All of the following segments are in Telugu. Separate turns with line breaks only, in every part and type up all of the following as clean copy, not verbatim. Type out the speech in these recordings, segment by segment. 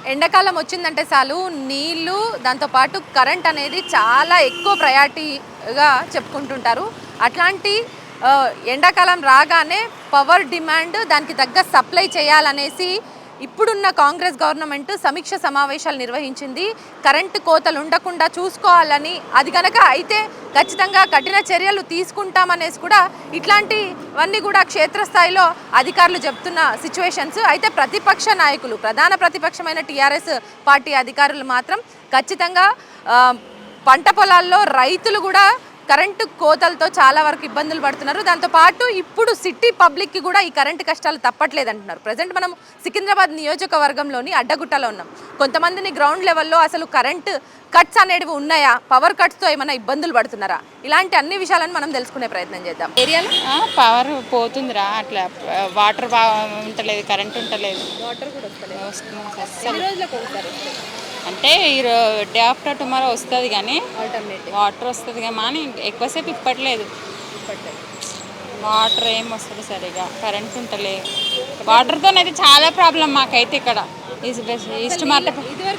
ఎండాకాలం వచ్చిందంటే చాలు నీళ్లు దాంతోపాటు కరెంట్ అనేది చాలా ఎక్కువ ప్రయారిటీగా చెప్పుకుంటుంటారు. అట్లాంటి ఎండాకాలం రాగానే పవర్ డిమాండ్ దానికి తగ్గ సప్లై చేయాలనేసి ఇప్పుడున్న కాంగ్రెస్ గవర్నమెంట్ సమీక్ష సమావేశాలు నిర్వహించింది. కరెంటు కోతలు ఉండకుండా చూసుకోవాలని, అది కనుక అయితే ఖచ్చితంగా కఠిన చర్యలు తీసుకుంటామనేసి కూడా ఇట్లాంటివన్నీ కూడా క్షేత్రస్థాయిలో అధికారులు చెప్తున్న సిచ్యువేషన్స్. అయితే ప్రతిపక్ష నాయకులు, ప్రధాన ప్రతిపక్షమైన టీఆర్ఎస్ పార్టీ అధికారులు మాత్రం ఖచ్చితంగా పంట పొలాల్లో రైతులు కూడా కరెంటు కోతలతో చాలా వరకు ఇబ్బందులు పడుతున్నారు. దాంతోపాటు ఇప్పుడు సిటీ పబ్లిక్కి కూడా ఈ కరెంటు కష్టాలు తప్పట్లేదు అంటున్నారు. ప్రజెంట్ మనం సికింద్రాబాద్ నియోజకవర్గంలోని అడ్డగుట్టలో ఉన్నాం. కొంతమందిని గ్రౌండ్ లెవెల్లో అసలు కరెంటు కట్స్ అనేవి ఉన్నాయా, పవర్ కట్స్తో ఏమైనా ఇబ్బందులు పడుతున్నారా, ఇలాంటి అన్ని విషయాలను మనం తెలుసుకునే ప్రయత్నం చేద్దాం. ఏరియాలో
పవర్ పోతుందిరా, అట్లా వాటర్ ఉంటలేదు, కరెంట్ ఉంటలేదు,
వాటర్ కూడా వస్తలేదు.
అంటే ఈ డే ఆఫ్టర్ టుమారో వస్తుంది కానీ వాటర్ వస్తుంది కానీ ఎక్కువసేపు ఇప్పట్లేదు. వాటర్ ఏం వస్తుంది సరిగా, కరెంట్ ఉంటలేదు. వాటర్తో అయితే చాలా ప్రాబ్లం మాకైతే ఇక్కడ ఈస్ట్ మార్కెట్.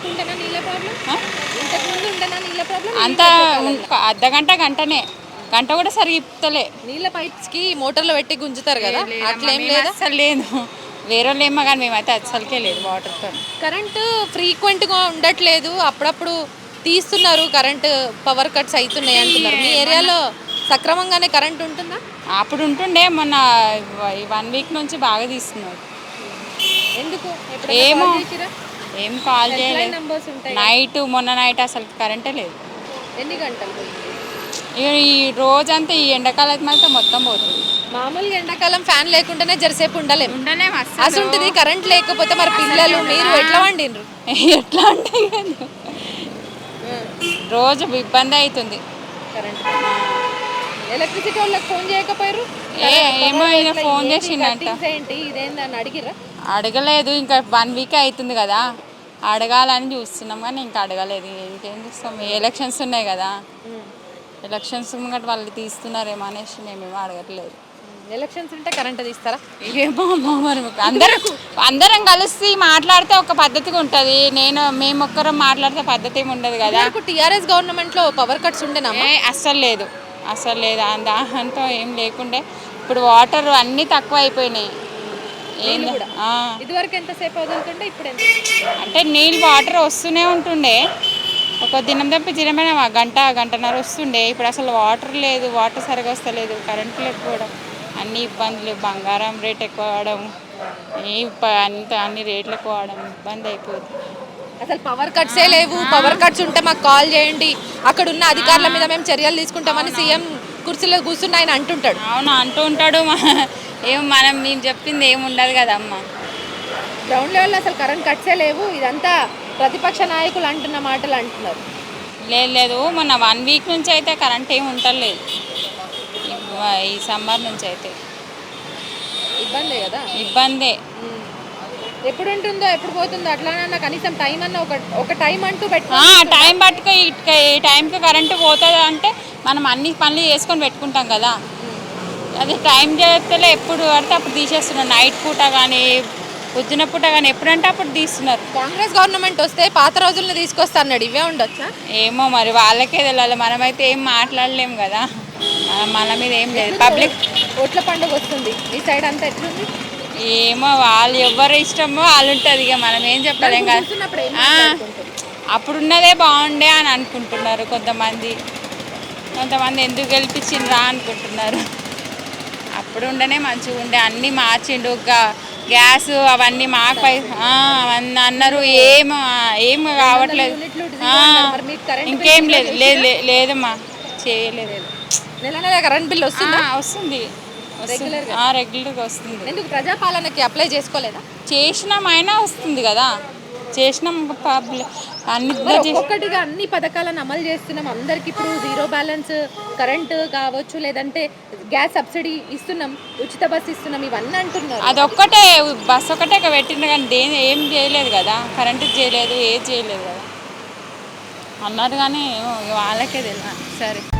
అంత అర్ధగంట గంట కూడా సరిగా ఇప్పుతలే.
నీళ్ళ పైప్స్కి మోటార్లో పెట్టి గుంజుతారు కదా, అట్లా ఏం లేదు.
అసలు లేదు, వేరే వాళ్ళు ఏమో కానీ మేమైతే అసలుకే లేదు. వాటర్తో
కరెంటు ఫ్రీక్వెంట్గా ఉండట్లేదు, అప్పుడప్పుడు తీస్తున్నారు. కరెంటు పవర్ కట్స్ అవుతున్నాయి అంటున్నారు. మీ ఏరియాలో సక్రమంగానే కరెంట్ ఉంటుందా?
అప్పుడు ఉంటుండే, మొన్న 1 వీక్ నుంచి బాగా తీస్తున్నారు.
ఎందుకు?
ఏం కాల్ చేయలేదు. మొన్న నైట్ అసలు కరెంటే లేదు.
ఎన్ని గంటలు?
ఈ రోజంతా ఈ ఎండాకాలం అయితే మొత్తం పోతుంది.
మామూలుగా ఎండాకాలం ఫ్యాన్ లేకుండానే జరసేపు ఉండలేము. అసలు ఉంటుంది కరెంట్ లేకపోతే మరి పిల్లలు మీరు ఎట్లా వండినరు?
ఎట్లా అంటే రోజు ఇబ్బంది అవుతుంది.
కరెంట్ ఎలక్ట్రిసిటీ వాళ్ళకి ఫోన్ చేయకపోయారు?
ఏమో ఫోన్ చేసిండంట.
ఇదేందని అడిగిరా?
అడగలేదు, ఇంకా 1 వీక్ అవుతుంది కదా, అడగాలని చూస్తున్నాం కానీ ఇంకా అడగలేదు. ఇంకేం చూస్తాం, ఎలక్షన్స్ ఉన్నాయి కదా, ఎలక్షన్స్ ముంగట వాళ్ళు తీస్తున్నారేమో అనేసి మేమేమో అడగట్లేదు.
ఎలక్షన్స్ ఉంటే కరెంట్ తీస్తారా?
ఏమో మరి అందరం కలిసి మాట్లాడితే ఒక పద్ధతిగా ఉంటుంది. మేము ఒక్కరం మాట్లాడితే పద్ధతి ఏమి ఉండదు కదా.
టీఆర్ఎస్ గవర్నమెంట్లో పవర్ కట్స్ ఉండేనా?
అస్సలు లేదు. దాంతో ఏం లేకుండే. ఇప్పుడు వాటర్ అన్నీ తక్కువ అయిపోయినాయి.
ఇదివరకు ఎంతసేపు వదులుతుండే, ఇప్పుడు
అంటే నీళ్ళు వాటర్ వస్తూనే ఉంటుండే. ఒక దినం తప్పి దినమైన గంటన్నర వస్తుండే. ఇప్పుడు అసలు వాటర్ లేదు, వాటర్ సరిగా వస్తలేదు, కరెంటు లేకపోవడం, అన్ని ఇబ్బందులు. బంగారం రేట్ ఎక్కువ అవడం, అన్ని రేట్లు ఎక్కువ అవడం, ఇబ్బంది అయిపోతుంది.
అసలు పవర్ కట్సే లేవు. పవర్ కట్స్ ఉంటే మాకు కాల్ చేయండి, అక్కడ ఉన్న అధికారుల మీద మేము చర్యలు తీసుకుంటామని సీఎం కుర్చీలో కూర్చుని ఆయన అంటుంటాడు.
అవును, అంటూ ఉంటాడు. మేము చెప్పింది ఏమి ఉండదు కదమ్మా.
గ్రౌండ్ లెవెల్లో అసలు కరెంట్ కట్సే లేవు. ఇదంతా ప్రతిపక్ష నాయకులు అంటున్న మాటలు అంటున్నారు.
లేదు, మొన్న 1 వీక్ నుంచి అయితే కరెంట్ ఏమి ఉండలేదు. ఈ సమ్మర్ నుంచి అయితే
ఇబ్బందే కదా.
ఇబ్బందే.
ఎప్పుడు ఉంటుందో ఎప్పుడు పోతుందో అట్లానన్నా కనీసం టైం అన్న ఒక టైం అంటూ
టైం పట్టుకో. ఈ టైంకి కరెంటు పోతుంది అంటే మనం అన్ని పనులు చేసుకొని పెట్టుకుంటాం కదా. అది టైం చేస్తలే, ఎప్పుడు పడితే అప్పుడు తీసేస్తున్నారు. నైట్ పూట కానీ పొద్దున పూట కానీ ఎప్పుడంటే అప్పుడు తీస్తున్నారు.
కాంగ్రెస్ గవర్నమెంట్ వస్తే పాత రోజులను తీసుకొస్తా అన్నాడు. ఇవే ఉండొచ్చా?
ఏమో మరి వాళ్ళకే తెలియాలి. మనమైతే ఏం మాట్లాడలేము కదా, మన మీద ఏం లేదు. పబ్లిక్
ఓట్ల పండుగ వస్తుంది, ఈ సైడ్ అంతా ఎట్లుంది
ఏమో, వాళ్ళు ఎవరు ఇష్టమో వాళ్ళు ఉంటుంది. ఇక మనం ఏం చెప్పలేం కదా. అప్పుడున్నదే బాగుండే అని అనుకుంటున్నారు కొంతమంది ఎందుకు గెలిపించిండ్రా అనుకుంటున్నారు. అప్పుడు ఉండనే మంచిగా ఉండే, అన్నీ మార్చిండు. గ్యాస్ అవన్నీ మాకు అవన్నీ అన్నారు. ఏం కావట్లేదు. ఇంకేం లేదమ్మా, చేయలేదు.
కరెంట్ బిల్
వస్తుంది రెగ్యులర్గా వస్తుంది.
ఎందుకు ప్రజాపాలనకి అప్లై చేసుకోలేదా?
చేసినామైనా వస్తుంది కదా, చేసినాం.
ఒక్కటిగా అన్ని పథకాలను అమలు చేస్తున్నాం అందరికి. ఇప్పుడు 0 బ్యాలెన్స్ కరెంటు కావచ్చు, లేదంటే గ్యాస్ సబ్సిడీ ఇస్తున్నాం, ఉచిత బస్సు ఇస్తున్నాం, ఇవన్నీ అంటున్నారు.
అదొక్కటే బస్సు ఒకటే పెట్టిండ్రు కానీ ఏం చేయలేదు కదా, కరెంటు చేయలేదు, ఏది చేయలేదు కదా అన్నారు. కానీ వాళ్ళకే తెలియదు. సరే.